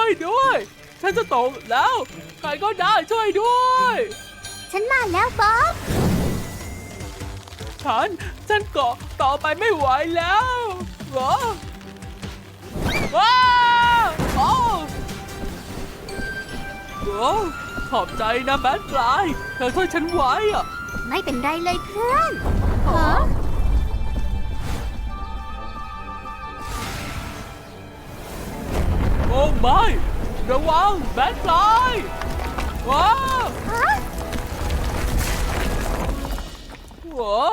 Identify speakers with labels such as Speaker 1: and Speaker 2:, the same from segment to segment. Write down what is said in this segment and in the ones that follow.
Speaker 1: วยด้วย ฉันจะตกแล้ว ใครก็ได้ช่วยด้วย
Speaker 2: ฉันมาแล้วบ๊อบ
Speaker 1: ฉันเกาะต่อไปไม่ไหวแล้วว้าว้าโอ้โอ้ขอบใจนะแบทฟลายเธอช่วยฉันไว้อะ
Speaker 2: ไม่เป็นไรเลยเพื่อนฮะ
Speaker 1: โอ้ไม่ระวังแบทฟลายว้า
Speaker 2: ฮะ
Speaker 1: ว้า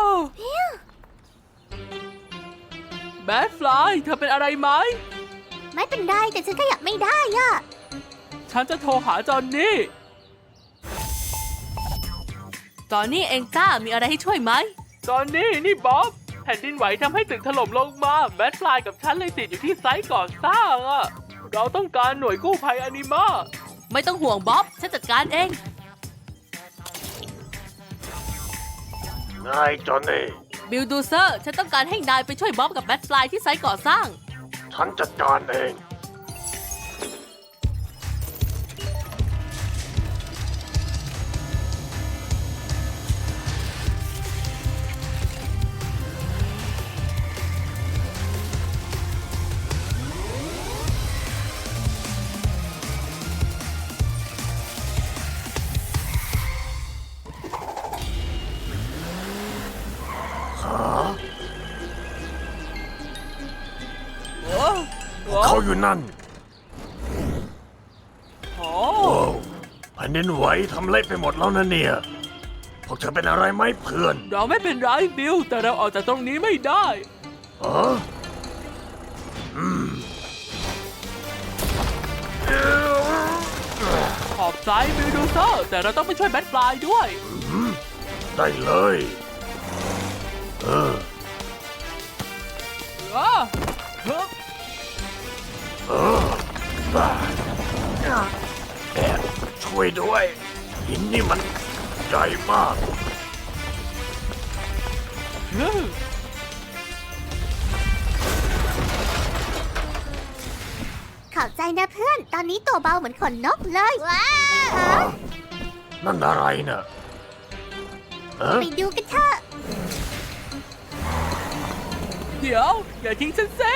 Speaker 1: แบทฟลายเธอเป็นอะไรไหม
Speaker 2: ไม่เป็นไรแต่ฉันขยับไม่ได้อะ
Speaker 1: ฉันจะโทรหาจอนนี่
Speaker 3: ตอนนี้เองจ้ามีอะไรให้ช่วยไหม
Speaker 1: จอนนี่นี่บ๊อบแผ่นดินไหวทำให้ตึกถล่มลงมาแบทฟลายกับฉันเลยติดอยู่ที่ไซต์ก่อสร้างอะเราต้องการหน่วยกู้ภัยอนิมา
Speaker 3: ไม่ต้องห่วงบ๊อบ ฉันจัดการเอง
Speaker 4: นายจอนนี่
Speaker 3: บิลดูเซอร์ ฉันต้องการให้นายไปช่วยบ๊อบกับแบทฟลายที่ไซต์ก่อสร้าง
Speaker 4: ฉันจัดการเอง
Speaker 1: โอ้โห
Speaker 4: เขาอยู่นั่น
Speaker 1: โอ้
Speaker 4: โอ้แผ่นดินไหวทำเละไปหมดแล้วนะเนี่ย พวกเธอเป็นอะไรไหมเพื่อน
Speaker 1: เราไม่เป็นไรบิลแต่เราออกจากตรงนี้ไม่ได้
Speaker 4: เออ
Speaker 1: ขอบใจบิลดูเซอร์แต่เราต้องไปช่วยแบทฟลายด้วย
Speaker 4: ได้เลย เออ
Speaker 1: อ้าเฮ้ย
Speaker 4: บ้าแอบช่วยด้วย หินนี่มันใหญ่มาก
Speaker 1: เฮ้ย
Speaker 2: ขอบใจนะเพื่อน ตอนนี้ตัวเบาเหมือนขนนกเลยว้า
Speaker 4: นั่นอะไรน่ะเออ
Speaker 2: ไปดูกันเถอะ
Speaker 1: เดี๋ยวอย่าทิ้งฉันเซ่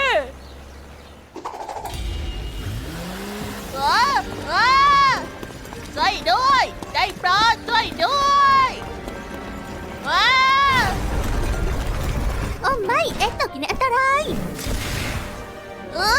Speaker 2: ช่วยด้วยได้โปรดช่วยด้วยว้าโอ้ไม่เอ็กซ์ตกอยู่ในอันตรายว้า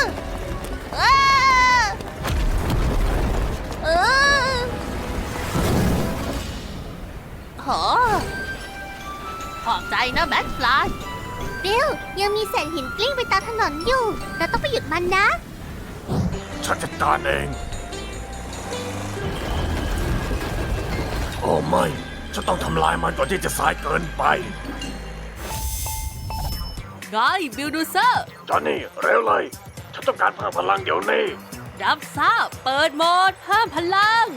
Speaker 2: โหขอบใจนะแบทฟลายบิลยังมีเศษหินกลิ้งไปตามถนนอยู่ เราต้องไปหยุดมันนะ
Speaker 4: ฉันจัดการเอง โอ้ไม่ ฉันต้องทำลายมันก่อนที่จะสายเกินไป
Speaker 3: ไงบิลดูเซอร์
Speaker 4: จอนนี่ เร็วเลย ฉันต้องการเพิ่มพลังเดี๋ยวนี้
Speaker 3: รับทราบ เปิดโหมดเพิ่มพลัง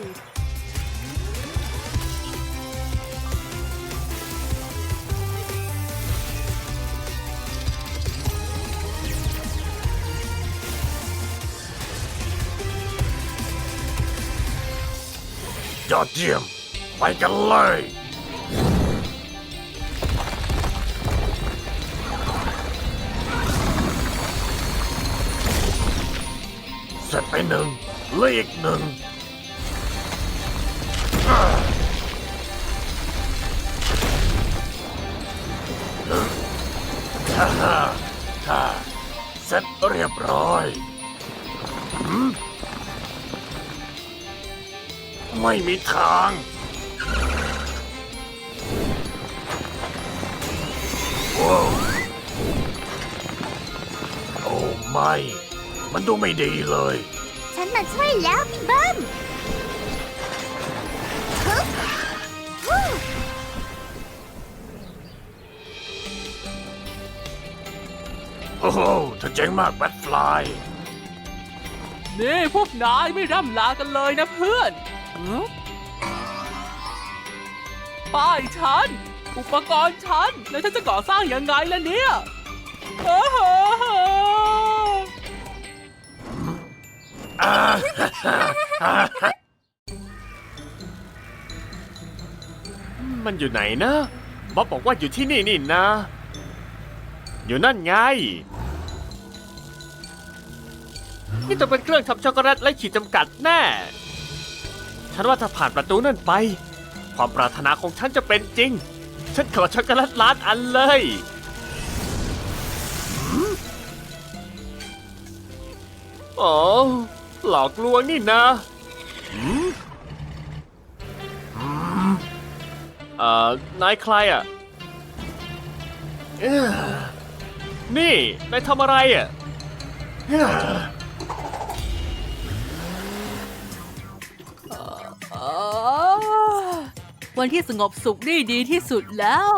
Speaker 4: ยอดเยี่ยม ไปกันเลย เสร็จไปหนึ่งเหลืออีกหนึ่งฮ่าฮ่าฮ่าเสร็จเรียบร้อยไม่มีทางว้าวโอ้ไม่ มันดูไม่ดีเลย
Speaker 2: ฉันมาช่วยแล้วพี่เบิ้มฮึบฮู้
Speaker 4: โอ้โหเธอเจ๋งมากแบทฟลาย
Speaker 1: นี่พวกนายไม่ร่ำลากันเลยนะเพื่อนป้ายฉัน อุปกรณ์ฉัน แล้วฉันจะก่อสร้างยังไงล่ะเนี่ยโอ้โห
Speaker 4: อ่า
Speaker 5: มันอยู่ไหนนะบ๊อบบอกว่าอยู่ที่นี่นี่นะ อยู่นั่นไง นี่จะเป็นเครื่องทำช็อกโกแลตและขีดจำกัดแน่ ฉันว่าถ้าผ่านประตูนั่นไป ความปรารถนาของฉันจะเป็นจริง ฉันขอช็อกโกแลตล้านอันเลยอ๋อหลอกลวงนี่นะนายใครอ่ะนี่ นายทำอะไรอ่ะ
Speaker 3: วันที่สงบสุขนี่ดีที่สุดแล้ว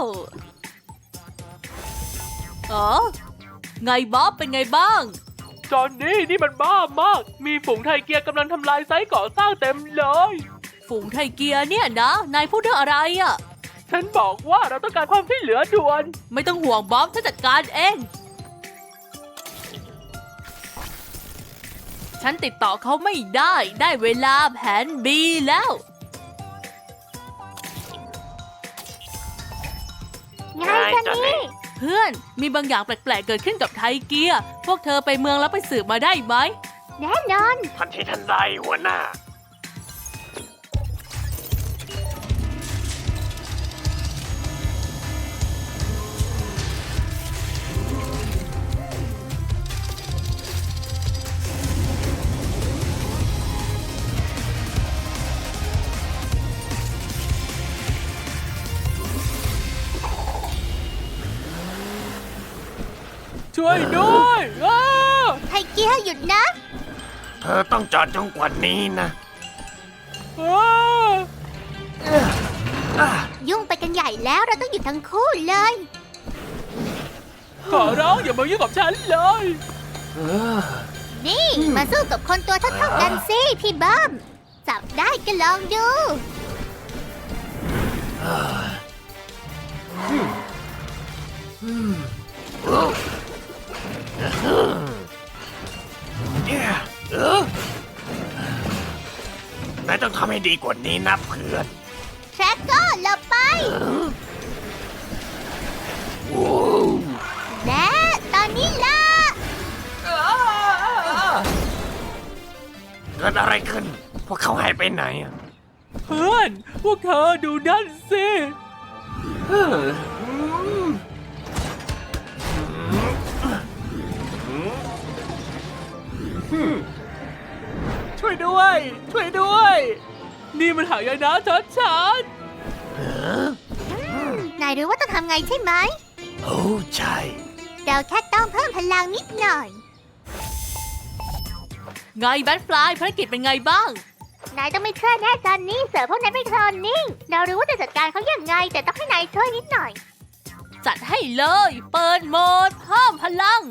Speaker 3: ไงบ๊อบเป็นไงบ้าง
Speaker 1: จอนนี่มันบ้ามาก มีฝูงไทเกียร์กำลังทำลายไซต์ก่อสร้างเต็มเลย
Speaker 3: ฝูงไทเกียร์เนี่ยนะ นายพูดเรื่องอะไรอ่ะ
Speaker 1: ฉันบอกว่าเราต้องการความช่วยเหลือด่วน
Speaker 3: ไม่ต้องห่วงบ๊อบฉันจัดการเอง ฉันติดต่อเขาไม่ได้เวลาแผน B แล้ว
Speaker 2: ไงจันนี่
Speaker 3: เพื่อนมีบางอย่างแปลกๆเกิดขึ้นกับไทเกียร์พวกเธอไปเมืองแล้วไปสืบมาได้ไหม
Speaker 2: แน่นอน
Speaker 4: ทันทีทันใดหัวหน้า
Speaker 1: ช่วยด้วยอ้า
Speaker 2: ไทเกียร์หยุดนะ
Speaker 4: เธอต้องจอดจนกว่านี้นะ
Speaker 2: ยุ่งไปกันใหญ่แล้วเราต้องหยุดทั้งคู่เลย
Speaker 1: ขอร้องอย่ามายุ่งกับฉันเลย
Speaker 2: นี่มาสู้กับคนตัวเท่าๆกันสิพี่เบิ้มจับได้ก็ลองดู
Speaker 4: นายต้องทำให้ดีกว่านี้นะเพื่อน
Speaker 2: แทร็กเกอร์หลบไป และตอนนี้ล่ะ
Speaker 4: เกิดอะไรขึ้น พวกเขาหายไปไหนอะ
Speaker 1: เพื่อน พวกเธอดูนั่นสิ
Speaker 5: ช่วยด้วย ช่วยด้วย
Speaker 1: นี่มันหายนะชัด
Speaker 2: นายรู้ว่าต้องทำไงใช่ไหม
Speaker 4: โอ้ใช่
Speaker 2: เราแค่ต้องเพิ่มพลังนิดหน่อย
Speaker 3: ไงแบทฟลายภารกิจเป็นไงบ้าง
Speaker 2: นายต้องไม่ช่วยแน่จอนนี่เสือพวกนั้นไม่ทนนิ่ง เรารู้ว่าจะจัดการเขาอย่างไง แต่ต้องให้นายช่วยนิดหน่อย
Speaker 3: จัดให้เลย เปิดโหมดเพิ่มพลัง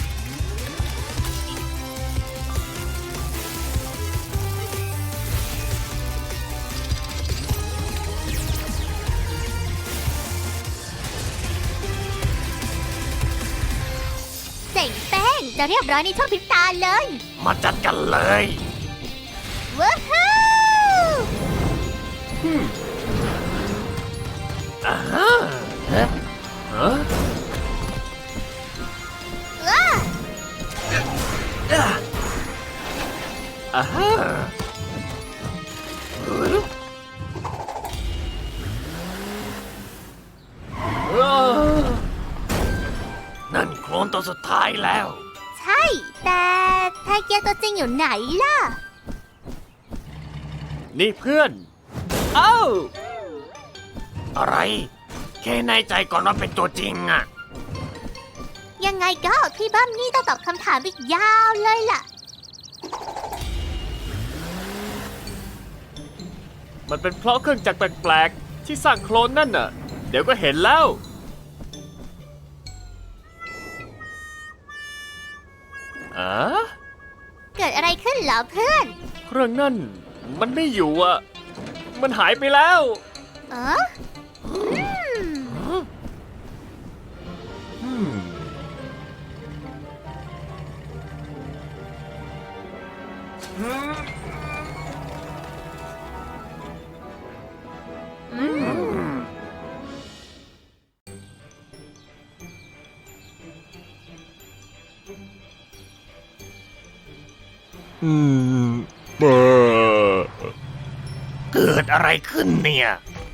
Speaker 2: เจ๋งแป้งจะเรียบร้อยในช่วงพริบตาเลย
Speaker 4: มาจัดกันเลย
Speaker 2: ว้าวฮู้
Speaker 4: อ่าฮะฮะ
Speaker 2: ว้า
Speaker 5: อ่าฮะ
Speaker 4: นั่นโคลนตัวสุดท้ายแล้ว
Speaker 2: ใช่ แต่ไทเกียร์ตัวจริงอยู่ไหนล่ะ
Speaker 5: นี่เพื่อน เอ้า
Speaker 4: อะไร แค่ในใจก่อนว่าเป็นตัวจริงอะ
Speaker 2: ยังไงก็พี่เบิ้มนี่ต้องตอบคำถามอีกยาวเลยล่ะ
Speaker 5: มันเป็นเพราะเครื่องจักรแปลกๆที่สร้างโคลนนั่นน่ะ เดี๋ยวก็เห็นแล้วอ๋อ
Speaker 2: เกิดอะไรขึ้นเหรอเพื่อน
Speaker 5: เครื่องนั่นมันไม่อยู่อ่ะ มันหายไปแล้ว
Speaker 2: เอออืม
Speaker 5: อืม
Speaker 4: เกิดอะไรขึ้นเนี่ย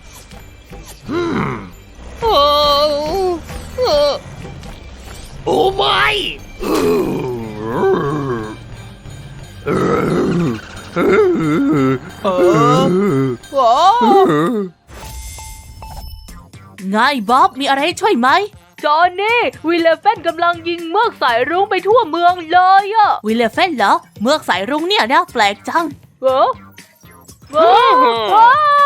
Speaker 5: โอ้โอ้
Speaker 4: โอ้ไม่
Speaker 3: ไงบ๊อบมีอะไรให้ช่วยไหม
Speaker 1: จอห์นนี่วิลเลฟเฟนกำลังยิงเมือกสายรุ้งไปทั่วเมืองเลยอะ
Speaker 3: วิลเลฟเฟนเหรอ เมือกสายรุ้งเนี่ยนะแปลกจัง
Speaker 1: เออเออ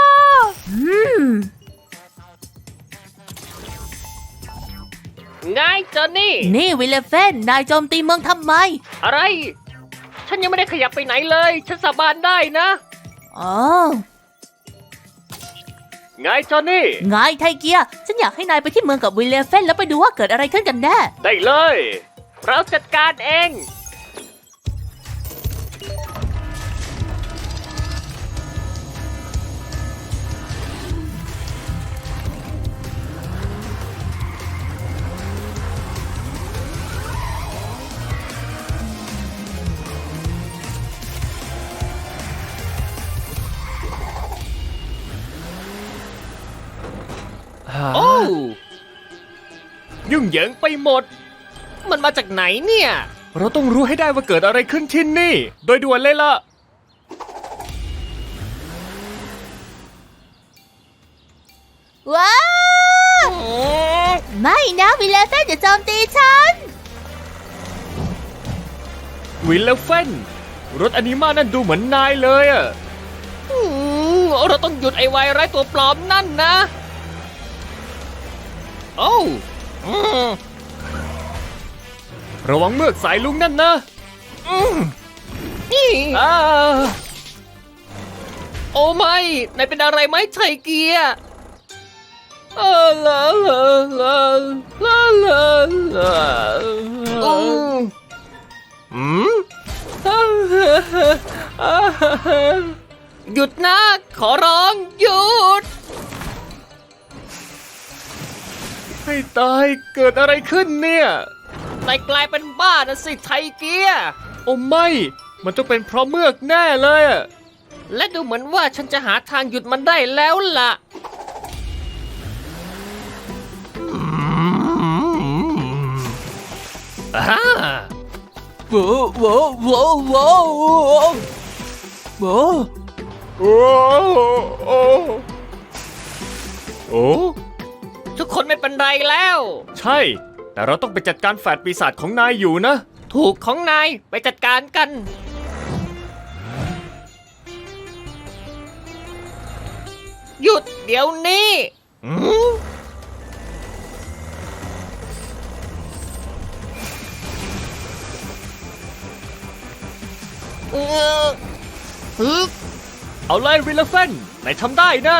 Speaker 5: ไงจอนนี่
Speaker 3: นี่วิลเลฟเฟนนายโจมตีเมืองทำไม
Speaker 5: อะไร ฉันยังไม่ได้ขยับไปไหนเลย ฉันสาบานได้นะ
Speaker 3: อ๋อ
Speaker 5: ไงจอนนี่
Speaker 3: ไงไทเกีย ฉันอยากให้นายไปที่เมืองกับวิลเลฟเฟนแล้วไปดูว่าเกิดอะไรขึ้นกันแน่
Speaker 5: ได้เลย เราจัดการเอง โอ้ยุ่งเหยิงไปหมด มันมาจากไหนเนี่ย เราต้องรู้ให้ได้ว่าเกิดอะไรขึ้นที่นี่ โดยด่วนเลยล่ะ
Speaker 2: ว้าวไม่นะวิลเลฟเฟนจะโจมตีฉัน
Speaker 5: วิลเลฟเฟนรถอนิมานั่นดูเหมือนนายเลยอะเราต้องหยุดไอ้วายร้ายตัวปลอมนั่นนะ โอ้ระวังเมือกสายลุงนั่นนะอ่าโอ้ไม่นายเป็นอะไรไหมไทเกียร์ลาลาลาลาลาลาหยุดนะ ขอร้อง หยุด ให้ตายเกิดอะไรขึ้นเนี่ยนายกลายเป็นบ้านะสิไทเกียร์โอ้ไม่ มันต้องเป็นเพราะเมือกแน่เลยอะและดูเหมือนว่าฉันจะหาทางหยุดมันได้แล้วล่ะ
Speaker 3: โว้โว้โว้โว้โว้
Speaker 5: โอ้โอ้โอ้ทุกคนไม่เป็นไรแล้ว ใช่ แต่เราต้องไปจัดการแฝดปีศาจของนายอยู่นะ ถูกของนายไปจัดการกัน หยุดเดี๋ยวนี้เอาเลยวิลเลฟเฟนนายทำได้นะ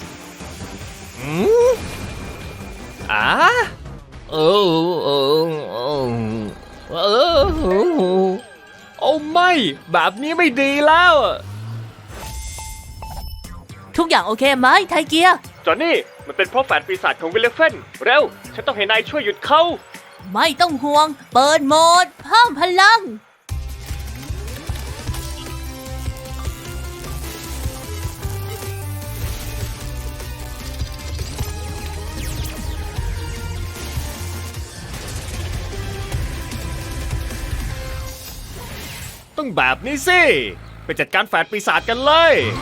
Speaker 5: โอ้ไม่แบบนี้ไม่ดีแล้ว
Speaker 3: ทุกอย่างโอเคไหมไทเกีย
Speaker 5: จอห์นนี่มันเป็นเพราะแฝดปีศาจของวิลเลฟเฟนเร็ว ฉันต้องให้นายช่วยหยุดเขา
Speaker 3: ไม่ต้องห่วง เปิดโหมดเพิ่มพลัง
Speaker 5: ต้องแบบนี้สิ ไปจัดการแฝดปีศาจกันเลย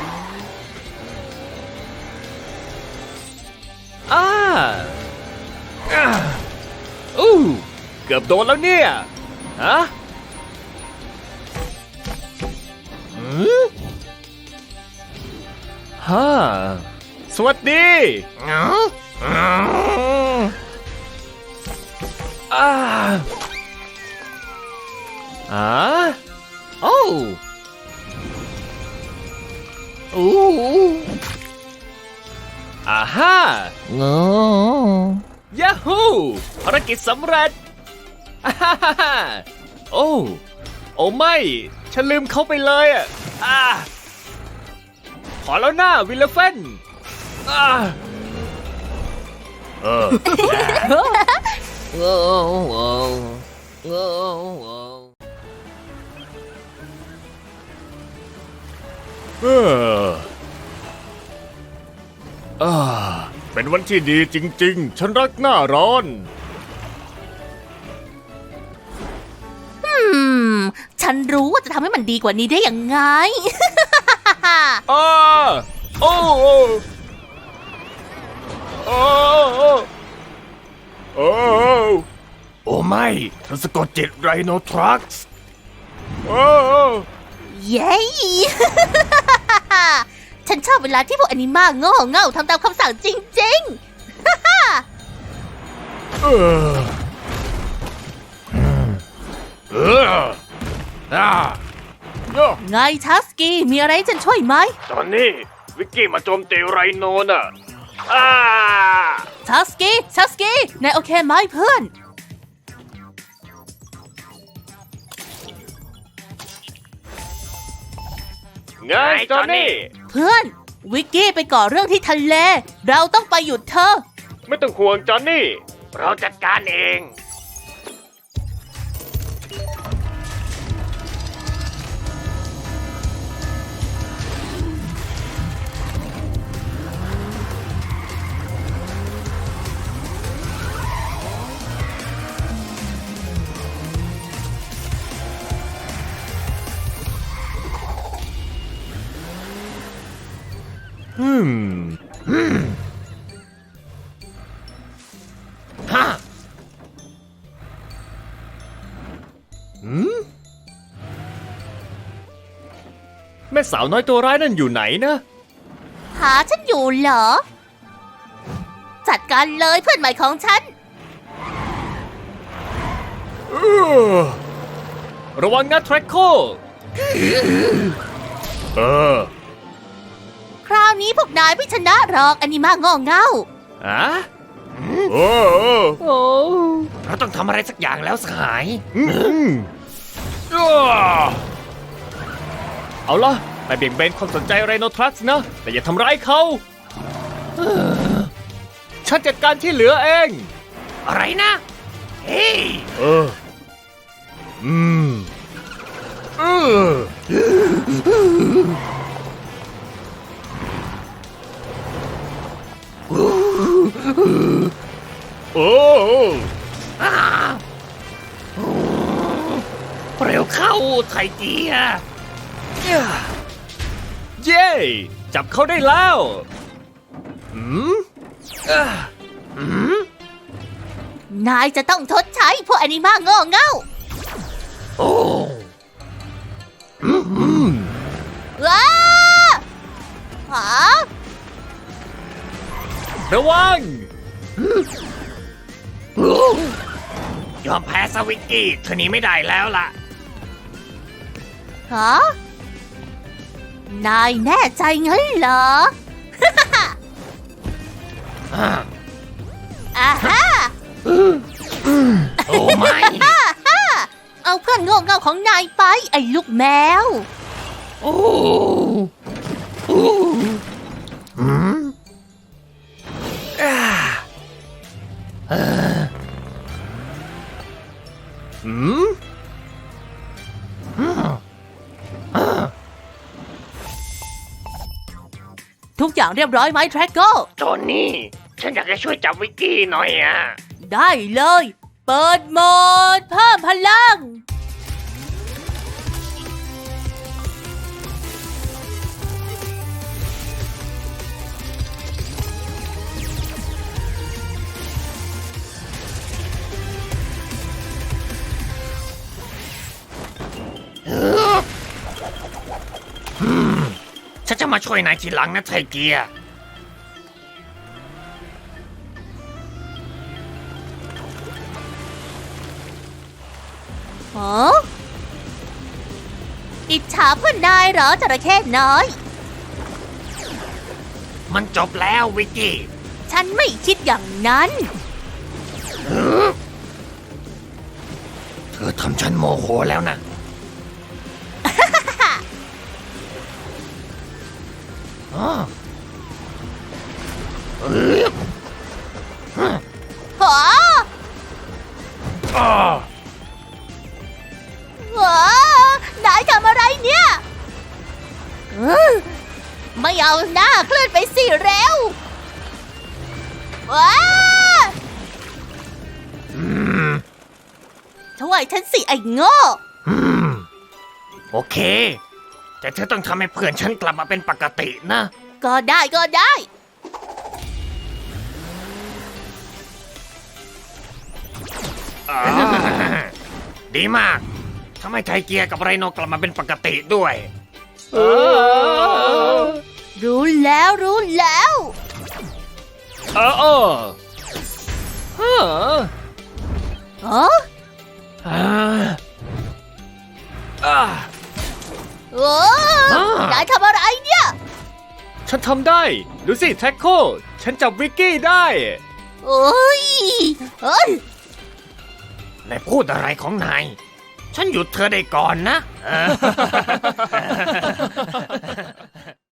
Speaker 5: เกือบโดนแล้วเนี่ย ฮะสวัสดีโอ้อาฮ่ายาฮูภารกิจสำเร็จโอ้ไม่ ฉันลืมเขาไปเลยอ่ะขอแล้วหน้าวิลเลฟเฟน
Speaker 4: เออเป็นวันที่ดีจริงๆ ฉันรักหน้าร้อน
Speaker 2: ฉันรู้ว่าจะทำให้มันดีกว่านี้ได้ยังไง
Speaker 4: อ้าโอ้โอ้โอ้โอ้โอ้โอ้ไม่ฉันสะกดจิตไรโนทรัคส์โอ้
Speaker 2: เย้ ฉันชอบเวลาที่พวกอนิมาโง่เง่าทำตามคำสั่งจริง
Speaker 4: เออเอออ่าโย่
Speaker 2: ๆ ไงทัสกี้มีอะไรให้ฉันช่วยไหม
Speaker 4: ตอนนี้วิกกี้มาโจมตีไรโนน่ะอ้า
Speaker 2: ทัสกี้นายโอเคไหมเพื่อน
Speaker 4: ไงจอนนี่
Speaker 2: เพื่อน วิกกี้ไปก่อเรื่องที่ทะเล เราต้องไปหยุดเธอ
Speaker 4: ไม่ต้องห่วงจอนนี่ เราจัดการเอง
Speaker 5: แม่สาวน้อยตัวร้ายนั่นอยู่ไหนนะ
Speaker 2: หาฉันอยู่เหรอ จัดการเลยเพื่อนใหม่ของฉัน
Speaker 5: ระวังนะแทร็กโค
Speaker 4: เออ
Speaker 2: คราวนี้พวกนายไม่ชนะหรอกอนิมาโง่เง่า
Speaker 5: อะ
Speaker 4: โอ้โอ้
Speaker 5: โอ้
Speaker 4: เราต้องทำอะไรสักอย่างแล้วสหาย
Speaker 5: เอาล่ะไปเบี่ยงเบนความสนใจไรโนทรัคส์นะ แต่อย่าทำร้ายเขาฉันจัดการที่เหลือเอง
Speaker 4: อะไรนะ เฮ้ยเออเออโอ้เร็วเข้าไทเกีย
Speaker 5: เย้ จับเขาได้แล้วอืม
Speaker 2: นายจะต้องทดใช้พวกอนิมาโง่เง่า
Speaker 4: โอ้
Speaker 2: ว้าหา
Speaker 5: ระวัง
Speaker 4: ยอมแพ้สวิกกี้เธอหนี้ไม่ได้แล้วล่ะ
Speaker 2: ฮะนายแน่ใจงั้นเหรอ อ่าฮะ
Speaker 4: โอ้ไม่
Speaker 2: เอาเพื่อนโง่เง่าของนายไป ไอ้ลูกแมว
Speaker 4: โอ้โอ้อืม
Speaker 5: อืม
Speaker 2: ทุกอย่างเรียบร้อยไหมแทร็กโก
Speaker 4: จอนนี่ ฉันอยากจะช่วยจับวิกกี้หน่อยอ่ะ
Speaker 2: ได้เลย เปิดโหมดเพิ่มพลัง
Speaker 4: ฉันจะมาช่วยนายทีหลังนะไทเกีย
Speaker 2: ฮะอิจฉาเพื่อนนายเหรอจระเข้น้อย
Speaker 4: มันจบแล้ววิกกี้
Speaker 2: ฉันไม่คิดอย่างนั้น
Speaker 4: เธอทำฉันโมโหแล้วนะ อ๋อ
Speaker 2: ฮะ
Speaker 4: อ้า
Speaker 2: ว้านายทำอะไรเนี่ยไม่เอาหน้าเคลื่อนไปสิเร็วว้าช่วยฉันสิไอ้โง่
Speaker 4: โอเค แต่เธอต้องทำให้เพื่อนฉันกลับมาเป็นปกตินะ
Speaker 2: ก็ได้ก็ได้
Speaker 4: ดีมากทำให้ไทเกียกับไรโนกลับมาเป็นปกติด้วย
Speaker 2: รู้แล้วรู้แล้ว
Speaker 5: เออเออ
Speaker 2: อ๋อ โอ้นายทำอะไรเนี่ย
Speaker 5: ฉันทำได้ ดูสิแท็กโคฉันจับวิกกี้ได้
Speaker 2: โอ้ยเอ้ย
Speaker 4: นายพูดอะไรของนาย ฉันหยุดเธอได้ก่อนนะ